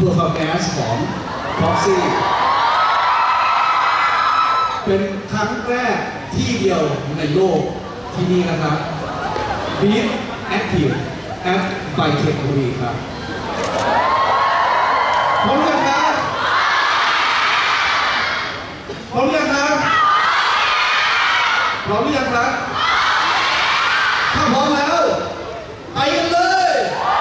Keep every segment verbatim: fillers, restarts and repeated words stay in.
performance ของ Proxy เป็นครั้งแรกที่เดียวในโลกที่นี่นะครับ Beat Active at by Tech บุรีครับพร้อมยังครับพร้อมยังครับพร้อมหรือยังครับถ้าพร้อมแล้วไปกันเลย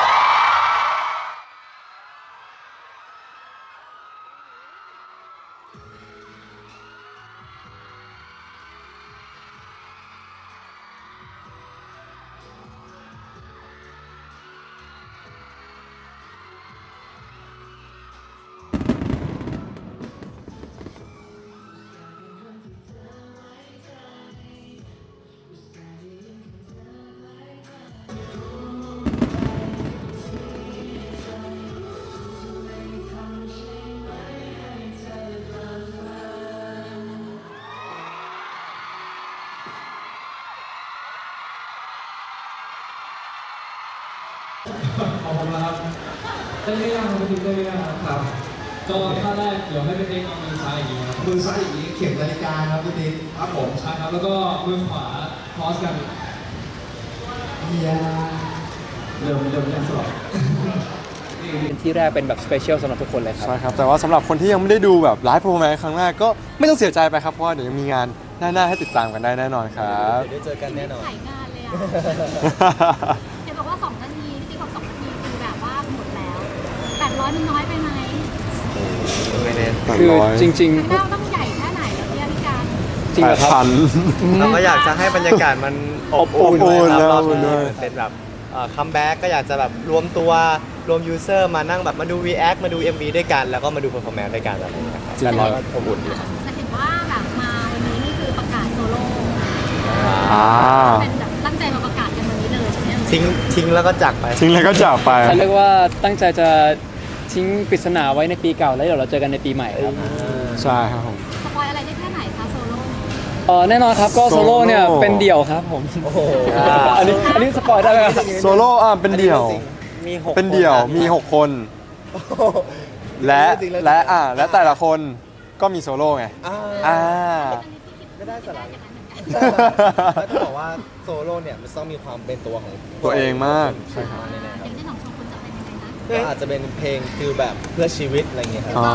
ขอบคุณครับได้เรื่องครับได้เรื่องครับก็ท่าแรกเดี๋ยวให้เป็นเองเอามือซ้ายอย่างนี้ครับมือซ้ายอย่างนี้เข็มนาฬิกาครับพี่ติ๊กครับผมใช่ครับแล้วก็มือขวาคอสกันเฮียเริ่มเริ่มยังสอบที่แรกเป็นแบบสเปเชียลสำหรับทุกคนเลยครับใช่ครับแต่ว่าสำหรับคนที่ยังไม่ได้ดูแบบไลฟ์โปรแกรมครั้งแรกก็ไม่ต้องเสียใจไปครับเพราะว่าเดี๋ยวยังมีงานหน้าๆให้ติดตามกันได้แน่นอนครับเดี๋ยวได้เจอกันแน่นอนถ่ายงานเลยอ่ะ เห็นบอกว่าสองนาทีที่บอกสองนาทีคือแบบว่าหมดแล้วแปดร้อยมันน้อยไปไหมไม่แน่คือจริงข้างหน้าต้องใหญ่แค่ไหนแล้วเนี่ยพี่การๆ จริงเหรอครับพันเราก็อยากจะให้บรรยากาศมันอบอุ่นอบอุ่นด้วยครับอบอุ่นด้วยเป็นแบบคัมแบ็กก็อยากจะแบบรวมตัวรวมยูเซอร์มานั่งแบบมาดู React มาดู เอ็ม วี ด้วยกัน แล้วก็มาดู Performance ด้วยกันแบบนี้ครับจริงแล้วก็อบอุ่นดีครับจะเห็นว่าแบบมาวันนี้นี่คือประกาศโซโล่อ่าเป็นแบบตั้งใจมาประกาศกันวันนี้เลยใช่ไหมทิ้งทิ้งแล้วก็จากไปทิ้งแล้วก็จากไปเขาเรียกว่าตั้งใจจะทิ้งปริศนาไว้ในปีเก่าแล้วเดี๋ยวเราเจอกันในปีใหม่ครับใช่ครับผมสปอยอะไรได้แค่ไหนคะโซโล่เออแน่นอนครับก็โซโล่เนี่ยโซโล่เป็นเดี่ยวครับผมโอ้โหอันนี้อันนี้สปอยได้ไหมครับโซโล่อ่ะเป็นเดี่ยวมีหกเป็นเดี่ยวมีหกคน และและอ่ะและแต่ละคนก็มีโซโล่ไงอ่าอ่าไม่ได้สาระอย่างนั้นเหมือนกันแล้วต้องบอกว่าโซโล่เนี่ยมันต้องมีความเป็นตัวของตัวเองมากใช่ครับแน่ๆคอรับย่างที่ของชมคุณจะเป็นยังไงนะก็อาจจะเป็นเพลงคือแบบเพื่อชีวิตอะไรเงี้ยครับอ๋อ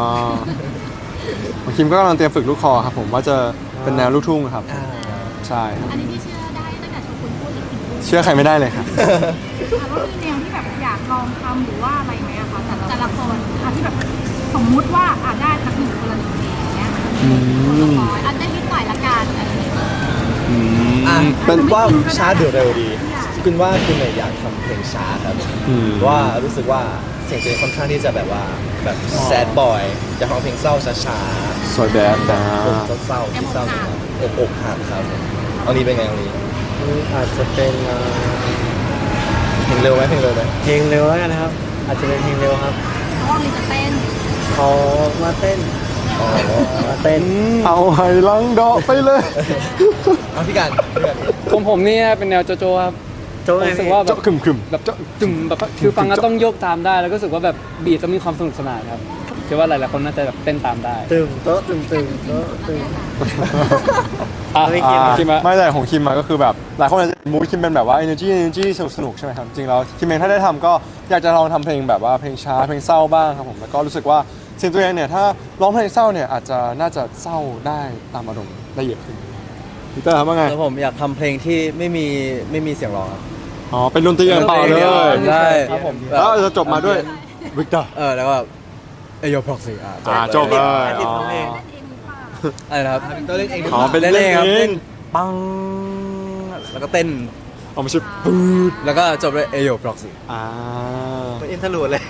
คิมก็กำลังเตรียมฝึกลูกคอครับผมว่าจะเป็นแนวลูกทุ่งครับอ่าใช่ครับอันนี้ที่เชื่อได้ตั้งแต่ชมคุณพูดอีกทีพูดเชื่อใครไม่ได้เลยครับถามว่ามีแนวที่แบบอยากลองทำหรือว่าอะไรไหมอะคะแต่แต่ละคนอะที่แบบสมมุติว่าอาจได้สักหนึ่งคนละหนึ่งเพลงอย่างเงี้ยคนละร้อยอันได้นิดหน่อยละกันอะไรอย่างเงี้ยอ่ะเป็นว่าช้าเดือดเร็วดีคุณว่าคุณเนี่ยอยากทำเพลงช้าครับอืมว่ารู้สึกว่าเสียงตัวเองค่อนข้างที่จะแบบว่าแบบแซดบอยอยากฟังเพลงเศร้าช้าสวยแบดนะๆเศร้าๆที่เศร้าอกอกหักครับเอานี้เป็นไงเอานี้อาจจะเป็นเอ่อเพลงเร็วไหมเพลงเร็วไหมเพลงเร็วแล้วกันนะครับ อาจจะเป็นเพลงเร็วครับเพราะว่ามีจะเต้นเขามาเต้นอ๋อมาเต้นเอาให้ลังดอกไปเลยเอาพี่กันพี่กันของผมเนี่ยเป็นแนวโจโจครับโจ้ผมไงรู้สึกว่าแบเจาะบขึมขึมแบบจุ่มแบบคือฟังแล้วต้องโยกตามได้ แล้วก็รู้สึกว่าแบบบีทต้องมีความสนุกสนานครับคิดว่าหลายๆคนน่าจะแบบเต้นตามได้ตึมโต๊ะตึมตึมโต๊ะตึมอ่ะไม่คิดอ่ะคิดมาไม่แต่ของคิมมาก็คือแบบหลายคนอาจจะมูดคิมเป็นแบบว่า energy energy สนุกสนุกใช่ไหมครับ จริงแล้วคิมเองถ้าได้ทำก็อยากจะลองทำเพลงแบบว่าเพลงช้าเพลงเศร้าบ้างครับผมแล้วก็รู้สึกว่าเสียงตัวเองเนี่ยถ้าร้องเพลงเศร้าเนี่ยอาจจะน่าจะเศร้าได้ตามอารมณ์ได้เยอะขึ้นพีเตอร์ครับว่าไงแล้วผมอยากทำเพลงที่ไม่มีไม่มีเสียงร้องครับอ๋อเป็นดนตรีอย่างเปล่าเลยใช่ครับผมแล้วจะจบมาด้วยวิกเตอร์เออแล้วก็เอโยพ็อกซี่อ่ะอ่าจบเลยติดอ๋อเพลงเล่นเองหรือเปล่าอะไรนะครับตัวเล่นเองอ๋อเป็นเล่นเล่เอน งครับเอเล่งนปังแล้วก็เต้นเอาไม่ใช่ปืดแล้วก็จบด้วยเอโยพ็อกซี่อ่าเป็นอินทรูดเลย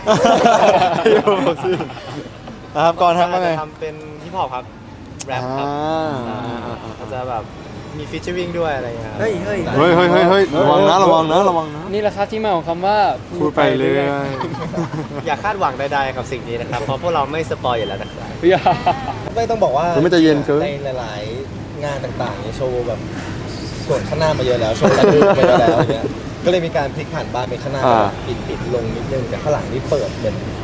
ครับก่อนทำว่าไงจะทำเป็นฮิปฮอปครับแรปครับอ่าอาจจะแบบมีฟีเจอริ่งด้วยอะไรอย่างเงี้ยครับเฮ้ยเฮ้ยเฮ้ยเฮ้ยเฮ้ยเฮ้ยระวังนะระวังนะระวังนะนี่แหละครับที่มาของคำว่าพูดไปเรื่อยอย่าคาดหวังใดๆกับสิ่งนี้นะครับ เพราะพวกเราไม่สปอยอยู่แล้วนะครับอย่าไม่ต้องบอกว่ามันไม่จะเย็นเกินในหลายๆ งานต่างๆเนี่ยโชว์แบบส่วนข้างหน้ามาเยอะแล้วโชว์ระลึกมาเยอะแล้วอย่างเงี้ยก็เลยมีการพลิกผ่านบ้านเป็นข้างหน้าปิดปิดๆลงนิดนึงแต่ข้างหลังนี่เปิดเหมือนต้องโช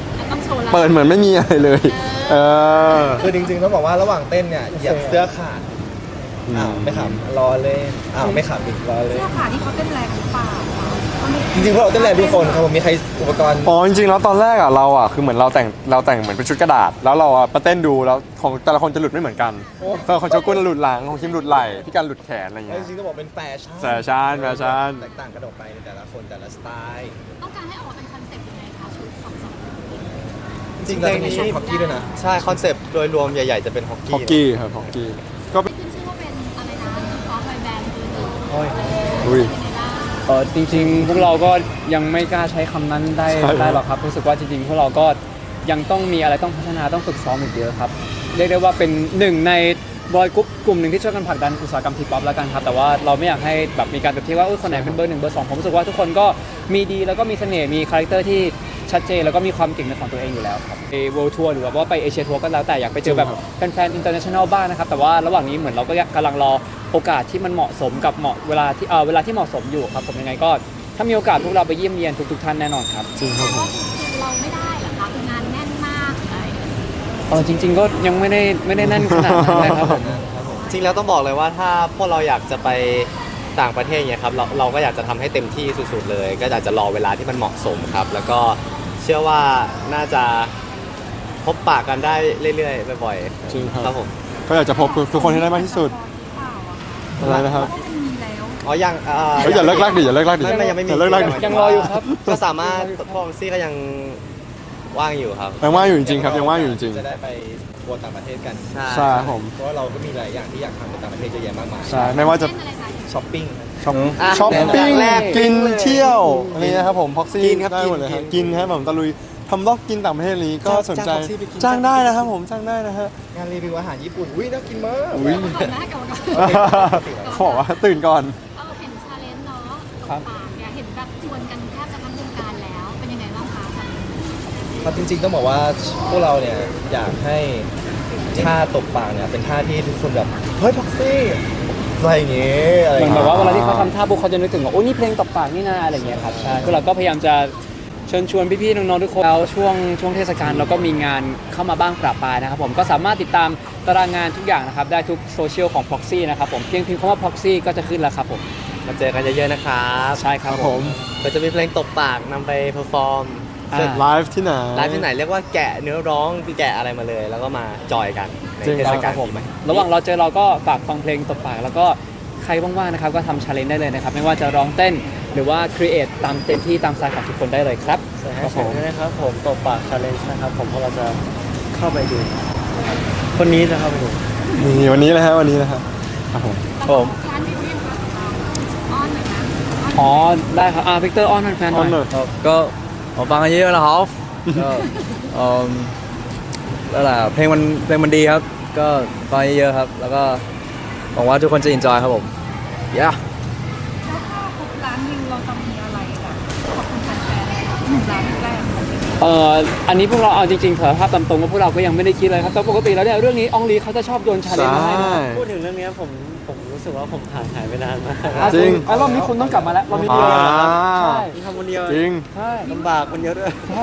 โชว์เราเปิดเหมือนไม่มีอะไรเลย เออคือจริงๆต้องบอกว่าระหว่างเต้นเนี่ยเหยียบเสื้อขาดอ้าวไม่ขำรอเลยอ้าวไม่ขำอีกรอเลยเสื้อขาที่เขาเต้นแรงหรือเปล่าคะเขาไม่จริงๆพวกเราเต้นแรงทุกคนครับผมมีใครอุปกรณ์อ๋อจริงๆแล้วตอนแรกอ่ะเราอ่ะคือเหมือนเราแต่งเราแต่งเหมือนเป็นชุดกระดาษ แล้วเราอ่ะมาเต้นดูแล้วของแต่ละคนจะหลุดไม่เหมือนกันแต่ของโชกุนหลุดหลังของคิมหลุดไหล่พี่การหลุดแขนอะไรเงี้ยจริงๆต้องบอกเป็นแฟชั่นแฟชั่นแฟชั่นแตกต่างกันออกไปในแต่ละคนแต่ละสไตล์ต้องการให้ออกมาเป็นคอนเซ็ปต์ยังไงคะชุดของสองคนจริงๆเราจะมีชุดฮอกกี้ด้วยนะ ใช่คอนเซปต์โดยรวมใหญ่ๆจะเป็นฮอกฮอกกี้กี้ครับฮอกกี้ก็ขึ้นชื่อว่าเป็นอะไรนะคอร์สไบแบนด์คือหนึ่งอุ้ยเป็นไงบ้างเออจริงๆ พวกเราก็ยังไม่กล้าใช้คำนั้นได้ใช่ได้หรอกครับรู้สึกว่าจริงๆ พวกเราก็ยังต้องมีอะไรต้องพัฒนาต้องฝึกซ้อมอีกเยอะครับเรียกได้ว่าเป็นหนึ่งในบอยกรุ๊ปกลุ่มหนึ่งที่ช่วยกันผลักดันอุตสาหกรรมทีป๊อปแล้วกันครับแต่ว่าเราไม่อยากให้แบบมีการเปรียบเทียบว่าเออคนไหนเป็นเบอร์หนึ่งเบอร์สองผมรู้สึกว่าทุกคนก็มีดีแล้วก็มีเสน่ห์มีคาแรคเตอร์ที่ชัดเจนแล้วก็มีความเก่งในของตัวเองอยู่แล้วครับไป World Tour หรือว่าไปเอเชียทัวร์ก็แล้วแต่อยากไปเจอแบบแฟนๆ international บ้างนะครับแต่ว่าระหว่างนี้เหมือนเราก็กำลังรอโอกาสที่มันเหมาะสมกับเหมาะเวลาที่เออเวลาที่เหมาะสมอยู่ครับผมยังไงก็ถ้ามีโอกาสพวกเราไปเยี่ยมเยียนทุกๆท่านแน่นอนครับจริงครับผมคือเราไม่ได้เหรอคะคืองานแน่นมากอะไรอย่างเงี้ยเออจริง ๆ ก็ยังไม่ได้ไม่ได้แน่นขนาดนั้นนะครับผมจริงแล้วต้องบอกเลยว่าถ้าพวกเราอยากจะไปต่างประเทศเนี่ยครับเราเราก็อยากจะทำให้เต็มที่สุดๆเลย ก็อยากจะรอเวลาที่มันเหมาะสมครับ แล้วก็เชื่อว่าน่าจะพบปะกันได้เรื่อยๆบ่อยๆจริงครับครับผมก็อยากจะพบทุกคนให้ได้มากที่สุดอะไรนะครับเพราะมันมีแล้วอ๋อยังอ่าเฮ้ยอย่าเลิกลากดิอย่าเลิกลากดิไม่ไม่ยังไม่มีอย่าเลิกลากดิยังรออยู่ครับก็สามารถพอมซี่ก็ยังว่างอยู่ครับยังว่างอยู่จริงๆครับยังว่างอยู่จริงจะได้ไปทัวร์ต่างประเทศกันใช่ครับผมเพราะว่าเราก็มีหลายอย่างที่อยากทำในต่างประเทศเยอะแยะมากมายใช่ไม่ว่าจะเล่นอะไรคะช้อปปิ้งช้อปอ่ะช้อปปิ้งแรกกินเลยเที่ยวอะไรนะครับผมพ็อกซี่กินครับได้หมดเลยกิครับนกินครับผมตะลุยทำล็อกกินต่างประเทศนี้ก็สนใจจ้าง Proxy ไปกินจ้างได้นะครับผมจ้างได้นะฮะงานรีวิวอาหารญี่ปุ่นอุ้ยน่ากินมากอุ้ยก่อนนะก่อนนะเขาบอกว่าตื่นก่อนเราเห็นชาเลนจ์เนาะตครับบปากเนี่ยเห็นแบบชวนกันแทบจะทั้งวงการแล้ว เป็นยังไงบ้างคะครับจริงๆต้องบอกว่าพวกเราเนี่ยอยากให้ท่าตบปากเนี่ยเป็นท่าที่ทุกคนแบบเฮ้ยพ็อกซี่อะไรอย่างเงี้ยอะไรอเหมืย่าอนงแบบเงี้ยว่าเวลาที่เขาทำท่าปุ๊บเขาจะนึกถึงว่าโอ้นี่เพลงตบปากนี่นาอะไรอย่างเงี้ยครับใช่คือเราก็พยายามจะเชิญชวนพี่ๆน้องๆทุกคนแล้วช่วงช่วงเทศกาลเราก็มีงานเข้ามาบ้างประปรายนะครับผมก็สามารถติดตามตารางงานทุกอย่างนะครับได้ทุกโซเชียลของ Proxy นะครับผมเพียงพิมพ์คำว่า Proxy ก็จะขึ้นแล้วครับผมมาเจอกันเยอะๆนะครับใช่ครับผมก็จะมีเพลงตบปากนำไปเพอร์ฟอร์มอ่าไลฟ์ที่ไหนไลฟ์ที่ไหนเรียกว่าแกะเนื้อร้องคือแกะอะไรมาเลย แล้วก็มาจอยกันในจริงเทศกาลผมนี้ไหมระหว่างเราเจอเราก็ฝากฟังเพลงตบปากแล้วก็ใครว่างๆนะครับก็ทำชาเลนจ์ได้เลยนะครับไม่ว่าจะร้องเต้นหรือว่าครีเอทตามเต็มที่ตามสไตล์ของทุกคนได้เลยครับครับผมนะครับผมตบปากชาเลนจ์นะครับผมเพราะเราจะเข้าไปดู คนนี้จะเข้าไปดูนี่วันนี้นะฮะวันนี้นะครับครับผมผมร้านวิวยังคะอ้อนหน่อยนะอ๋อได้ครับอ่าพิกเตอร์ออนแฟนๆหออนหน่น่ออย ยครับก็ผมฟังกันเยอะๆนะครับก็เอิ่มแล้วแหละเพลงมันเพลงมันดีครับ ก็ฟังเยอะๆครับ แล้วก็หวังว่าทุกคนจะ enjoy ครับผมย่าแล้วถ้าครบร้านวิวเราจะมีอะไรแบบขอบคุณแฟนๆหนึ่งร้านแรกเอ่ออันนี้พวกเราเอาจริงๆสารภาพตามตรงว่าพวกเราก็ยังไม่ได้คิดเลยครับแต่ปกติแล้วเนี่ยเรื่องนี้อองลีเขาจะชอบโยนชาเลนจ์มาให้นะพูดถึงเรื่องนี้ผมผมรู้สึกว่าผมห่างหายไปนานมากอ่ะจริงอ่ะรอบนี้คุณต้องกลับมาแล้วรอบนี้เดียวอ่าใช่ทำคนเดียวจริงใช่ลำบากคนเดียวด้วยใช่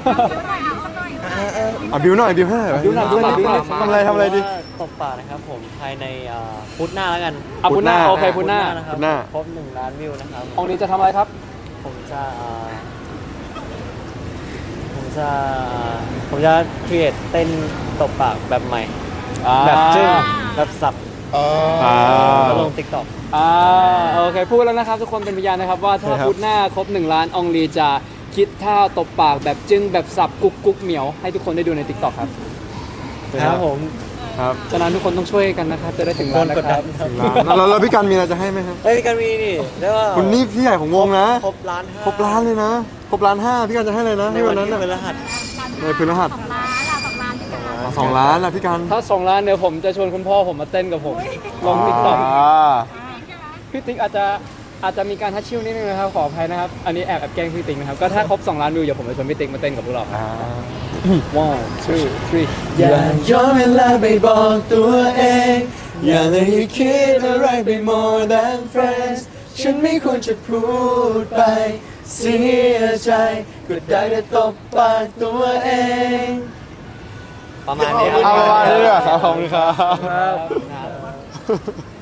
อ่ะบิวหน่อยบิวให้หน่อยบิวหน่อยบิวหน่อยบิวหน่อยทำอะไรทำอะไรดีตบปากนะครับผมภายในเอ่อพุธหน้าแล้วกันอ่ะพุธหน้าโอเคพุธหน้านะครัพุธหน้าครบหนึ่งล้านวิวนะครับอองลีจะทำอะไรครับผมจะเอ่อผมจะเอ่อผมจะครีเอทเต้นตบปากแบบใหม่ แบบจึ้งแบบสับอ่าแล้วลงติ๊กต็อกอ่าโอเคพูดแล้วนะครับทุกคนเป็นพยานนะครับว่าถ้าใช่ครับพุธหน้าครบหนึ่งล้านอองลีจะคิดท่าตบปากแบบจึ้งแบบสับกุ๊กกุ๊กเหมียวให้ทุกคนได้ดูใน TikTok ครับครับผมครับฉะนั้นทุกคนต้องช่วยกันนะครับจะได้ถึงโดล้านนนะกดคดัรับนครับแล้วแล้วพี่กันมีอะไรจะให้ไหมครับเฮ้ยกันมีนี่ได้ว่าคุณนี่พี่ใหญ่ของวงนะครบล้านห้าครบล้านเลยนะ ครบล้านห้าพี่กันจะให้อะไรนะในให้วัวัน นที่นั้นพฤน่ะหัสในพฤหัสสองล้านละสองล้านที่จะมาอ่ะสองล้านนะพี่กันถ้าสองล้านเดี๋ยวผมจะชวนคุณพ่อผมมาเต้นกับผมลง TikTok อ่าพี่ติ๊กอาจจะอาจจะมีการทัชชิ่วนิดนึงนะครับขออภัยนะครับอันนี้แอบแอบแกล้งพี่ติ๊กนะครับก็ถ้าครบสองล้านวิวเดี๋ยวผมจะชวนพี่ติ๊กมาเต้นกับพวกเราครับอ่า one two three อย่าย้อนเวลาไปบอกตัวเอง อย่าเลยคิดอะไรไป more than friends ฉันไม่ควรจะพูดไปเสียใจก็ได้แต่ตบปากตัวเองประมาณนี้ครับเอาประมาณนี้ดีกว่าครับขอบคุณครับครับ